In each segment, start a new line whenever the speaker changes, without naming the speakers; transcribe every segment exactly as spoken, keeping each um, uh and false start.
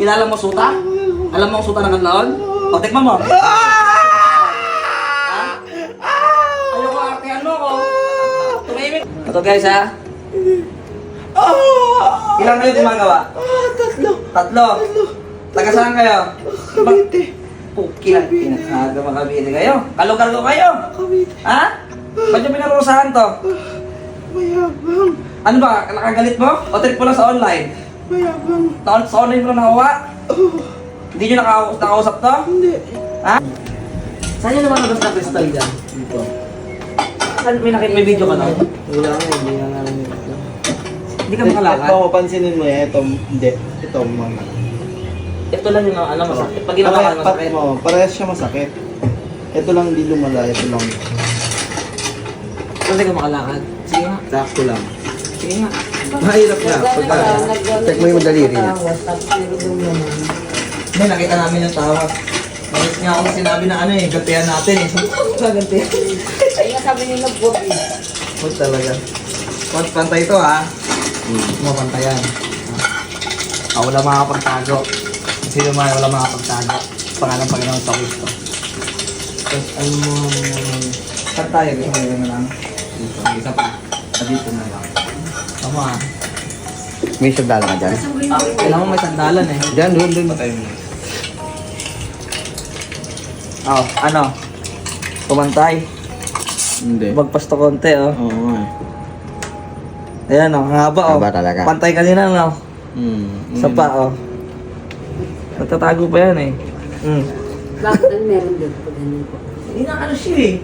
Kilala mo suta? Alam mo ang suta ng kanlaon? O, tikman mo. Ha? Ayoko, artehan mo ko. Tumimik. Ito guys ha. Ilang kayo gumagawa?
Tatlo.
Tatlo. Taga saan kayo?
Cavite.
Pukilan. Pinakaga makabili kayo. Kalog-kalog kayo.
Cavite.
Ha? Ba't yung pinarusahan to?
Mayabang.
Ano ba? Nakagalit mo? O trip mo lang sa online?
Mayabang.
Sa, sa online mo lang nakawa?
Oh,
Hindi nyo naka- nakausap to?
hindi.
Ha? Saan yung lumalabas na crystal dyan? Dito. Saan may nakita? May video ka na?
Wala nga, hindi nga namin ito.
Hindi ka makalakad?
Ito, pansinin mo yan. Ito, hindi. Ito, mga.
Ito lang yung ano masakit. Pag ginawa ka
Pare-
masakit.
mo, parehas siya masakit. Ito lang hindi lumala, ito lang.
Hindi ka makalakad. Sige nga.
Sakto lang.
Sige nga.
Mahirap na. Pagka, check mo yung daliri niya.
Hindi, nakita namin yung tawag. Bakit nga ako sinabi na ano eh, gantihan natin eh. Gagantihan.
Ay, nga sabi nila, buwag eh.
Huwag talaga. Huwag pantay ito ha.
Hmm.
Mapantayan. Ah, wala makakapagtago. Sino man wala makakapagtago. Pangalan Panginoon sa Kristo. Tapos ano mo, saan tayo? Gusto mo na lang? Dito. Isa pa. Ah, dito na lang. Tama ah.
May sagdala ka dyan?
Ah, kailangan mo may sandalan eh.
Dyan, doon, doon.
Oh, ano? Pumantay.
Hindi.
Magpasto konti oh.
Oo nga eh.
Ayan oh, ang haba oh.
Haba talaga.
Pantay kanina no.
Hmm.
Sa pa oh. Nagtatago pa yan eh. Hmm.
Bakit ang meron din pag ganyan po?
Hindi na ano siya eh.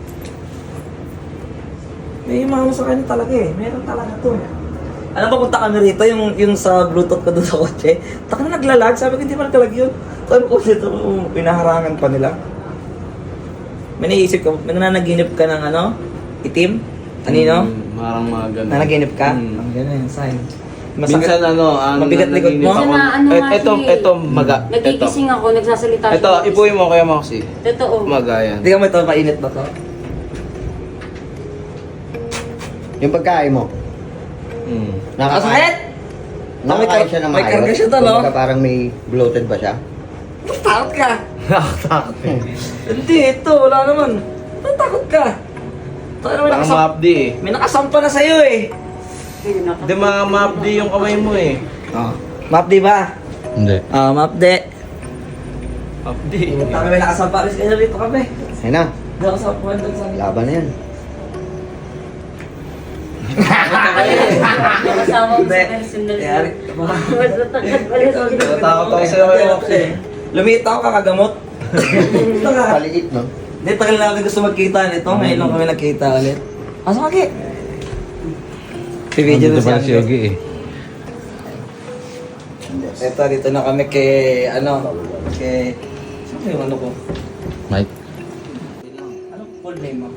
May umano sa kanya talaga eh. Meron talaga to. Alam ba punta kami rito yung, yung sa bluetooth ko doon sa kotse? Taka na naglalag. Sabi ko hindi pa naglalag yun. Sabi ko dito pinaharangan pa nila. May naisip ka, may nanaginip ka ng ano? Itim? Anino?
Hmm, parang mga ganun.
Nanaginip ka?
Hmm.
Ang ganun yan, sign.
Minsan ano, ang
Mabigat likod mo?
Ako,
Minsan na, ano
et,
nga
ito,
siya eh.
ito, maga. Ito.
Nagigising ako, nagsasalita
Ito, ipuin mo kaya Moxie.
Totoo.
Maga yan.
Hindi ka mo ito, mainit ba to?
Yung pagkain mo,
Hmm.
Nakasakit!
nakakain siya ng
may
maayos.
karga siya to, no?
Kumbaga parang may bloated ba siya?
Takot ka!
Nakatakot eh.
Hindi, ito, wala naman. Ba't takot ka? Tayo naman
Parang
nakasam-
maapdi eh.
may nakasampa na sa'yo eh.
Hindi mga maapdi yung kamay mo eh.
Oh. Mapdi ba?
Hindi.
Ah, mapdi.
Maapdi.
Kami may nakasampa rin kayo rito kami.
Ayun na,
Hindi ako sa puwan doon sa
laban na yan.
Kasama ko
Hindi.
sa personal.
Yari.
Mas matagal pala sa
Natatakot ako sa'yo kay Moxie.
Lumita ako kakagamot. Ito ka.
Paliit, no?
Hindi, tagal na natin gusto magkita nito. Ngayon lang kami nagkita ulit. Asa kaki? Pibidyo na si Yogi eh. Ito, dito na kami kay, ano, kay, sino yung ano ko?
Mike.
Ano full name mo?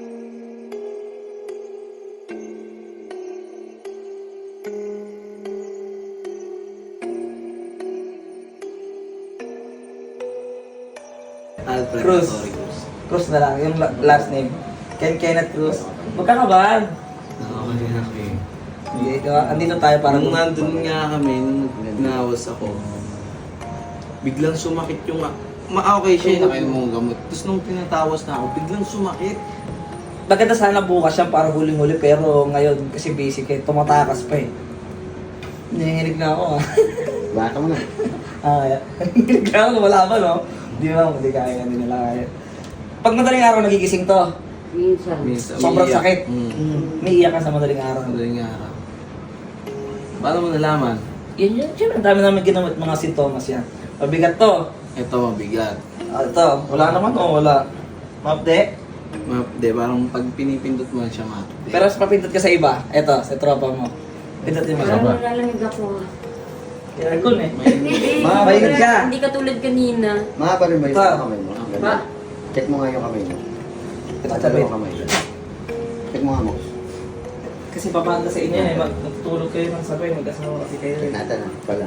Alfred.
Cruz.
Sorry, Cruz.
Cruz na lang, yung la- last name. Ken Kenneth Cruz. Magkakabahan.
Okay, okay.
Hindi, diba? Andito tayo parang...
Nung nandun nga kami, nung nawas ako, biglang sumakit yung... Ma okay siya, nakain mo ang gamot. Tapos nung tinatawas na ako, biglang sumakit.
Maganda sana bukas yan para huling-huli pero ngayon kasi basic eh, tumatakas pa eh. Nanginginig na ako ah.
Baka mo na.
Ah, kaya. Nanginginig na ako, lumalaban no? Hindi mo, hindi kaya, hindi nila kaya. Pag madaling araw nagigising to,
Minsan.
Minsan,
sobrang
umiiyak.
sakit.
Mm.
Mm. May iyak ka sa madaling araw.
Madaling araw. Paano mo nalaman?
Yun yun, siyempre, ang dami namin ginamit mga sintomas yan. Mabigat to.
Ito mabigat.
Ah, ito, wala naman o wala. Mapde.
Ma de, parang pag pinipindot mo siya mapde.
Pero sa papindot ka sa iba, ito, sa tropa mo. Pindutin mo
Parang
siya.
nalalamig ako.
Aircon eh.
Hindi.
Ma, mainit ka.
Hindi katulad kanina.
Mga pa rin ba yung
Ito.
kamay mo?
Ba?
Check mo nga yung kamay mo.
Ito,
At
tabi.
yung kamay mo. Check mo nga mo.
Kasi papanda sa inyo eh, mag- magtutulog kayo ng sabay, mag-asawa kasi kayo
Check
eh.
natin ah. Pala.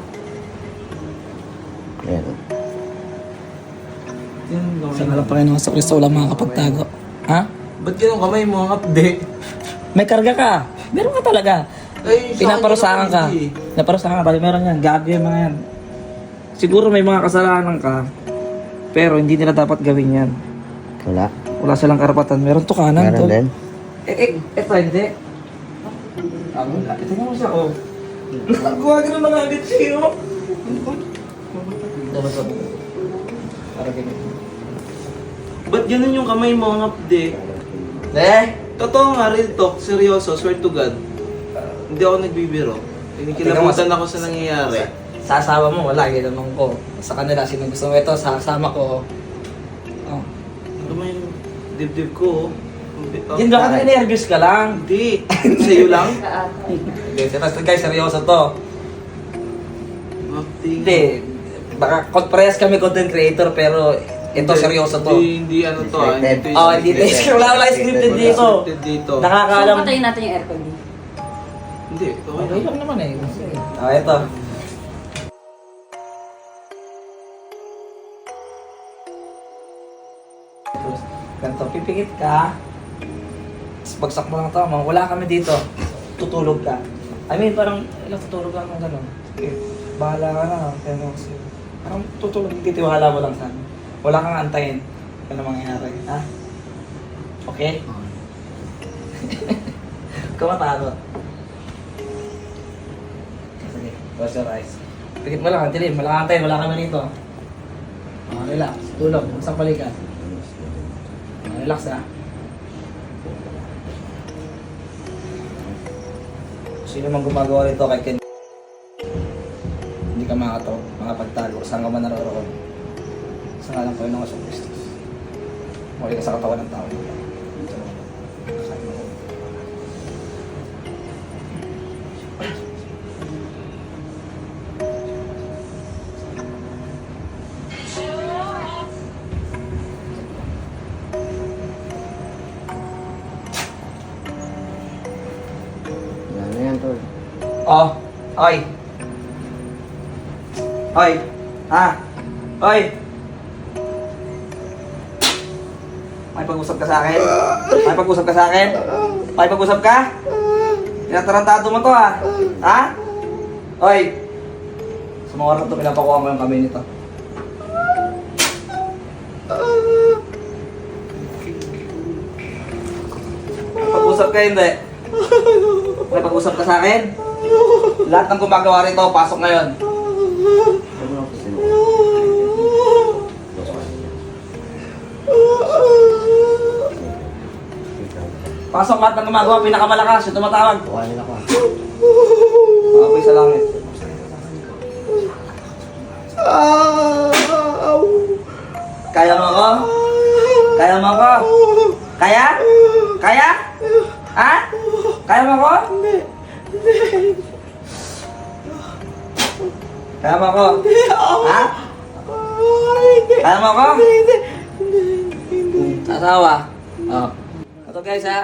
Ayan oh.
Sa ngalan Panginoon sa Kristo, wala makakapagtago. Ha?
Ba't ganun kamay mo ang update?
May karga ka. Meron ka talaga.
Ay, sa akin
Pinaparusahan
yun,
ka.
hindi.
Pinaparusahan ka. Bali meron yan. Gago yung mga yan. siguro may mga kasalanan ka, pero hindi nila dapat gawin yan.
Wala.
Wala silang karapatan. Meron to kanan,
Meron
tol.
din.
Eh, eh, eto, hindi. Ah, wala. Ito mo siya, oh. Nagawa ka ng mga agad siya, oh. Dapat sa buko. Para ganito.
Ba't ganun yung kamay mo, ang update?
Eh?
Totoo nga, real talk, seryoso, swear to God. Hindi ako nagbibiro. Kinikilabutan ako sa nangyayari.
Sa asawa mo, wala. Ginanong ko. Sa kanila, sino gusto mo ito, sa kasama ko. Oh.
Ano ba yung dibdib ko? Oh.
Hindi ba ka nervous ka lang?
Hindi. Sa'yo lang?
Hindi, tapos guys, seryoso to.
Update.
Hindi. Baka parehas kami content creator, pero ito seryoso to.
Hindi, hindi ano to ah.
Scripted.
Hindi
Oh, hindi tayo. Wala wala scripted
Wala
dito.
scripted dito.
So,
Nakakaalam.
patayin natin yung aircon dito.
Hindi, okay
Okay
lang.
lang naman eh. Ah, ito. Ganito, pipikit ka. Tapos bagsak mo lang tama. Wala kami dito. Tutulog ka. I mean, parang, ilang tutulog lang ng gano'n. Okay. Bahala ka na. Pero, kasi, parang tutulog. Titiwala mo lang sa amin. Wala kang antayin. Ano mangyayari. Ha? Okay? Kumatakot. Sige, close your eyes. Pikit mo lang, ang dilim. Wala kang antayin. Wala kami rito. Ah, relax. Tulog. Isang balikan. Ah, relax ah. Sino mang gumagawa rito kay Ken? Hindi ka makataw, makapagtago. Saan ka man naroroon? Sa ngalan ko yun ng Asong Kristus. Muli ka sa katawan ng tao.
Wala na yan, tol.
Oh, oy. Oy. Ha? Oy. May pag-usap ka sa akin? May pag-usap ka sa akin? May pag-usap ka? Tinatarantado mo to ha? Ha? Oy. Sa mga oras na to, pinapakuha mo yung kamay nito. May pag-usap ka hindi? May pag-usap ka sa akin? Lahat ng gumagawa rito, pasok ngayon. Pasok lahat ng gumagawa, pinakamalakas, yung tumatawag.
Tuwanin ako ah.
Mga apoy sa langit. Kaya mo ako? Kaya mo ako? Kaya? Kaya? Ha? Kaya mo ako? Kaya mo ako? Ha? Kaya mo ako? Asawa? Oh. Ito guys ha?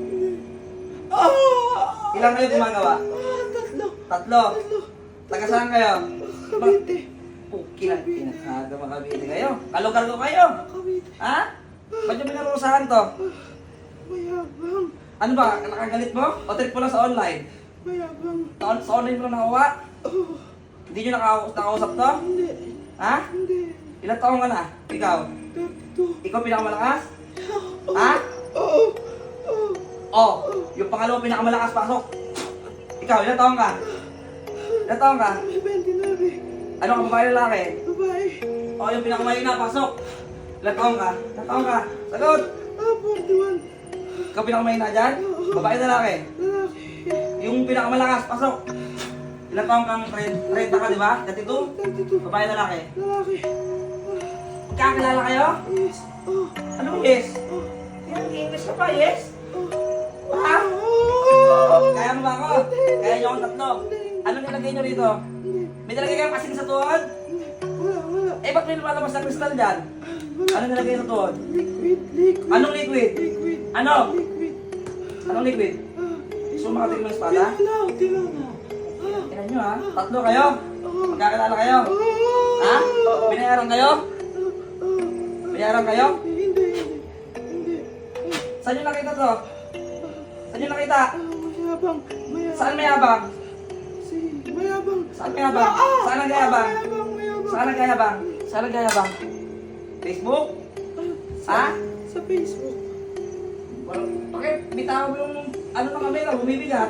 Ilang kayo gumagawa?
Tatlo.
Tatlo? Taga saan kayo?
Cavite.
Oh, kilang pinakaga makabili kayo. Kalugar ko kayo.
Cavite.
Ha? Ba't yung pinarusahan to?
Mayabang.
Ano ba? Nakagalit mo? O trip mo lang sa online?
Mayabang.
Sa, sa online mo lang nakawa?
Oh,
Hindi nyo naka- nakausap to?
hindi.
Ha?
Hindi.
Ilang taong ka na? Ikaw?
thirty-two.
Ikaw pinakamalakas? Ha?
Oo. Oo.
Oh, yung pangalawa pinakamalakas, pasok. Ikaw, ilang taong ka? Ilang taong ka?
May twenty-nine.
Ano ka, babae lalaki?
Babae.
Oh, yung pinakamahina, pasok. Ilang taong ka? Ilang taong ka? Sagot!
Ah, forty-one.
Ikaw pinakamahina dyan? Babae lalaki?
Lalaki.
Yung pinakamalakas, pasok. Ilang taong kang thirty ka, di ba? thirty-two?
thirty-two.
Babae lalaki?
Lalaki.
Magkakilala kayo?
Yes. Oh.
Anong yes?
Oh.
Yan, English ka pa, yes?
Oh.
Ha?
Oh.
Kaya mo ba ako? Kaya nyo akong tatlo. Anong nilagay nyo rito? May nilagay kayong kasing sa tuhod?
Wala, wala.
Eh, ba't may lumalabas na kristal dyan? Anong nilagay sa tuhod?
Liquid, liquid.
Anong liquid?
Liquid.
Ano?
Liquid.
Anong liquid?
Ah.
Gusto mo makatig ng espada?
Tinaw, tinaw na. Ah.
Tingnan nyo ha. Tatlo kayo?
Oh.
Magkakilala kayo? Ha? Binayaran kayo? Binayaran kayo?
Hindi, hindi. Hindi.
Saan nyo nakita to? Saan nyo nakita?
Ah, mayabang. Mayabang.
Saan may abang?
Si, mayabang.
Saan may abang?
Ah,
Saan ang mayabang?
Mayabang, mayabang.
Saan nagayabang? Saan nagayabang? Facebook? Ha?
Sa Facebook.
Bakit? Bitaw mo yung ano na kami lang, bumibigat.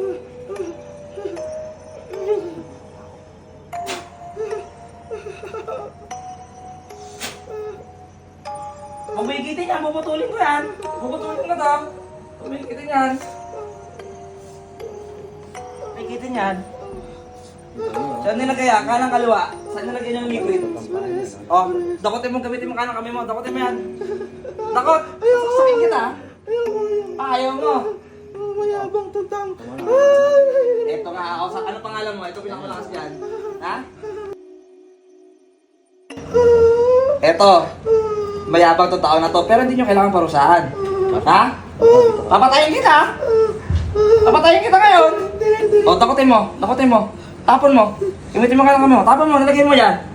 Bumigitin yan, puputulin ko yan. Puputulin ko na to. Bumigitin yan. Bumigitin yan. Saan nilagay yan? Kanang kaliwa. Saan nilagay yung liquid? Oh, dakotin mo, gamitin mo kanang kami mo. Dakotin mo yan. Dakot! Sasaksakin kita. Ah, ayaw mo.
Oh, mayabang tutang.
Ito nga ako. Sa, ano pangalan mo? Ito pinakamalakas dyan. Ha? Ito. Mayabang to tao na to. Pero hindi nyo kailangan parusahan. Ha? Papatayin kita. Papatayin kita ngayon. O, dakotin mo. Dakotin mo. Tapon mo. Gamitin mo ka lang kami mo. Tapon mo. Nalagay mo yan.